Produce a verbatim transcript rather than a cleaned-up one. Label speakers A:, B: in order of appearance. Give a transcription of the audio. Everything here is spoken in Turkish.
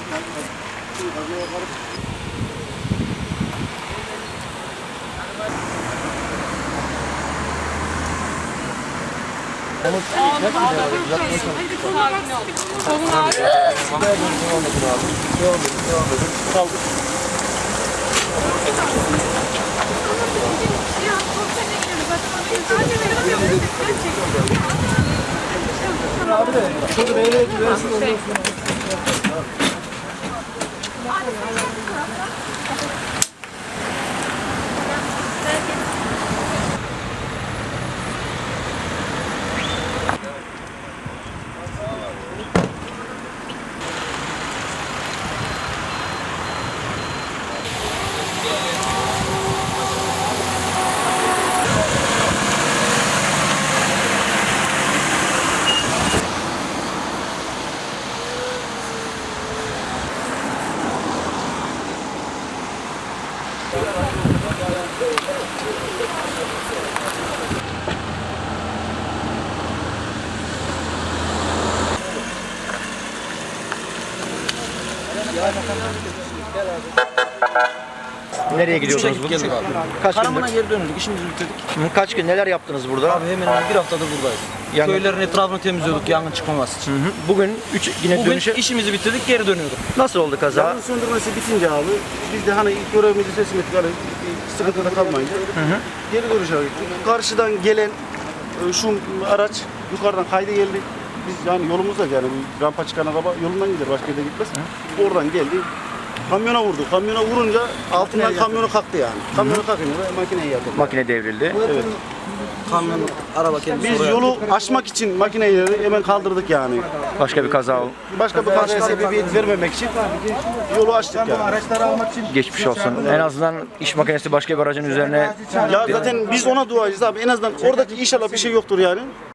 A: Kolun ağrıyor.
B: Abi de şurada ehliyeti versin ondan sonra.
C: Nereye gidiyordunuz bugün? Kaç
D: Karaman'a
C: gündür?
D: geri döndük, işimizi bitirdik.
C: Hı, Kaç gün neler yaptınız burada?
D: Abi hemen hemen bir haftadır buradayız.
C: Yangın-
D: Köylerin etrafını temizliyorduk yangın çıkmaması için.
C: Hı hı. Bugün üç yine
D: Bugün
C: dönüşe
D: işimizi bitirdik, geri dönüyorduk.
C: nasıl oldu kaza?
B: Yangın söndürmesi bitince abi biz de hani ilk görevimizi teslim ettik. Hani bir sıkıntıda kalmayınca geri dönüşe gittik. Karşıdan gelen e, şu araç yukarıdan kaydı geldi. Biz yani yolumuzda yani bu rampa çıkan araba yolundan gider başka yere gitmez. Oradan geldi. Kamyona vurdu. Kamyona vurunca altından kamyonu kalktı yani. Kamyonu kalkınca da makineyi yakaladı.
C: Makine devrildi.
B: Evet.
D: Kamyon, araba kendisi
B: Biz
D: oraya-
B: yolu aşmak için makineyi hemen kaldırdık yani.
C: Başka bir kaza oldu.
B: Başka bir kazaya sebebiyet vermemek için yolu açtık yani.
E: Araçları almak için
C: Geçmiş olsun. En azından iş makinesi başka bir aracın üzerine
B: Ya zaten biz ona duacıyız abi. En azından oradaki inşallah bir şey yoktur yani.